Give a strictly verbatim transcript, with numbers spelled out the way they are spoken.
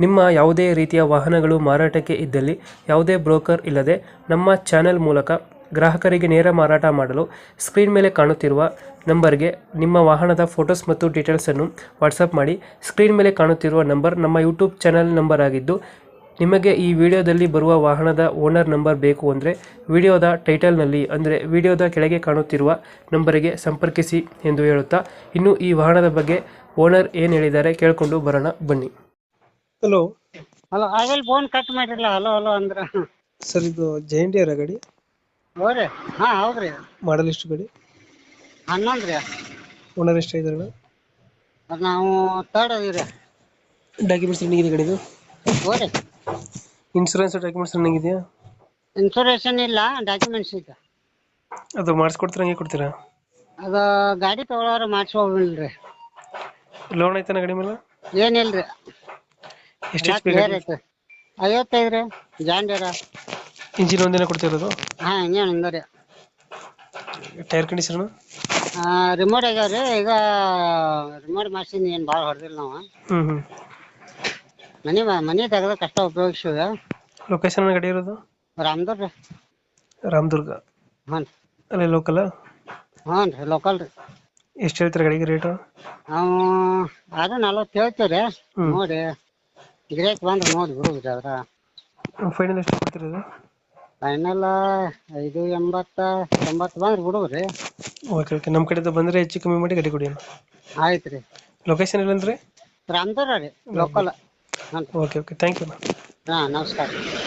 ನಿಮ್ಮ ಯಾವುದೇ ರೀತಿಯ ವಾಹನಗಳು ಮಾರಾಟಕ್ಕೆ ಇದ್ದಲ್ಲಿ ಯಾವುದೇ ಬ್ರೋಕರ್ ಇಲ್ಲದೆ ನಮ್ಮ ಚಾನೆಲ್ ಮೂಲಕ ಗ್ರಾಹಕರಿಗೆ ನೇರ ಮಾರಾಟ ಮಾಡಲು ಸ್ಕ್ರೀನ್ ಮೇಲೆ ಕಾಣುತ್ತಿರುವ ನಂಬರ್ಗೆ ನಿಮ್ಮ ವಾಹನದ ಫೋಟೋಸ್ ಮತ್ತು ಡೀಟೇಲ್ಸನ್ನು ವಾಟ್ಸಪ್ ಮಾಡಿ. ಸ್ಕ್ರೀನ್ ಮೇಲೆ ಕಾಣುತ್ತಿರುವ ನಂಬರ್ ನಮ್ಮ ಯೂಟ್ಯೂಬ್ ಚಾನೆಲ್ ನಂಬರ್ ಆಗಿದ್ದು, ನಿಮಗೆ ಈ ವಿಡಿಯೋದಲ್ಲಿ ಬರುವ ವಾಹನದ ಓನರ್ ನಂಬರ್ ಬೇಕು ಅಂದರೆ ವಿಡಿಯೋದ ಟೈಟಲ್ನಲ್ಲಿ ಅಂದರೆ ವಿಡಿಯೋದ ಕೆಳಗೆ ಕಾಣುತ್ತಿರುವ ನಂಬರಿಗೆ ಸಂಪರ್ಕಿಸಿ ಎಂದು ಹೇಳುತ್ತಾ, ಇನ್ನು ಈ ವಾಹನದ ಬಗ್ಗೆ ಓನರ್ ಏನು ಹೇಳಿದ್ದಾರೆ ಕೇಳಿಕೊಂಡು ಬರೋಣ ಬನ್ನಿ. ಹಲೋ ಹಲೋ ಆಗಲ್ ಫೋನ್ ಕಟ್ ಮಾಡಿರಲ್ಲ ಹಲೋ ಹಲೋ ಅಂದ್ರ ಸರ್, ಇದು ಜೈಂಡಿಯರ ಗಾಡಿ ಹೋರಿ. ಹಾ ಹೌದ್ರಿ. ಮಾಡಲ್ ಎಷ್ಟು ಗಾಡಿ? ಹನ್ನೊಂದು ರೀ. ಓನರ್ ಎಷ್ಟು ಇದ್ದಾರೆ? ಅದು ನಾವು ತರ್ಡ್ ಅದೀವಿ. ಡಾಕ್ಯುಮೆಂಟ್ಸ್ ರನ್ನಿಂಗ್ ಇದೆ ಗಾಡಿದು? ಹೋರಿ. ಇನ್ಶೂರೆನ್ಸ್ ಡಾಕ್ಯುಮೆಂಟ್ಸ್ ರನ್ನಿಂಗ್ ಇದೆಯಾ? ಇನ್ಸೂರೆನ್ಸ್ ಇಲ್ಲ, ಡಾಕ್ಯುಮೆಂಟ್ಸ್ ಇದೆ. ಅದು ಮಾಡಿಸ್ಕೊಡ್ತೀರಾ ಹಂಗೆ ಕೊಡ್ತೀರಾ? ಅದು ಗಾಡಿ ತಗೊಳ್ಳೋರು ಮಾಡಿಸ್ಕೊಬಿಡ್ರಿ. ಲೋನ್ ಐತನ ಗಾಡಿ ಮೇಲೆ? ಏನಿಲ್ರಿ. ಎಷ್ಟು ಎಚ್ ಪಿ ಕ್ಲಿಯರ್ ಐತೆ. ಐವತ್ತೈದು ರೀ. ಜಾಂಡಿಯರ. ಇಂಜಿನ್ ಒಂದೇನ ಕೊಡ್ತಿರೋದು? ಹಾ ಇಂಜಿನ್ ಒಂದೇ ರೀ. Tyre condition? ರಿಮೋಟ್ ಆಗ್ಯಾವ್ರಿ. ಈಗ ರಿಮೋಟ್ ಮಾಡ್ಸಿದ್ ಏನು ಭಾಳ ಹೊಡೆದಿಲ್ಲ ನಾವು. ಹ್ಞೂ ಹ್ಞೂ ಮನೆ ಮನೆ ತೆಗೆದ ಕಷ್ಟ ಉಪಯೋಗಿಸಿದ. ಲೊಕೇಶನ್ ಗಾಡಿ ಇರೋದು? ರಾಮದುರ್ಗ ರೀ. ರಾಮದುರ್ಗ? ಹ್ಞೂ ಅಲ್ಲೇ ಲೋಕಲ್? ಹ್ಞೂ ರೀ, ಲೋಕಲ್ ರೀ. ಎಷ್ಟು ಹೇಳ್ತಾರೆ ಗಾಡಿಗೆ ರೇಟು? ನಾವು ಅದು ನಲ್ವತ್ತು ಹೇಳ್ತೀವಿ ರೀ. ನೋಡಿ ಗಿರಾಕಿ ಬಂದ್ರೆ ನೋಡಿ ಬಿಡುದ್ರಿ. ಅದ್ರ ಫೈನಲ್ ಎಷ್ಟು ಕೊಡ್ತಿರೋದು? ಫೈನಲ್ ಐದು ಎಂಬತ್ತ ತೊಂಬತ್ತು ಬಂದ್ರೆ ಬಿಡುವ್ರಿ. ಓಕೆ ಓಕೆ, ನಮ್ಮ ಕಡೆಯಿಂದ ಬಂದರೆ ಹೆಚ್ಚು ಕಮ್ಮಿ ಮಾಡಿ ಗಾಡಿ ಕೊಡಿ. ಆಯ್ತು ರೀ. ಲೊಕೇಶನ್ ಎಲ್ಲಂದ್ರೆ? ರಾಮದುರ್ಗ ರೀ, local. Okay okay, thank you. ಹಾಂ ನಮಸ್ಕಾರ.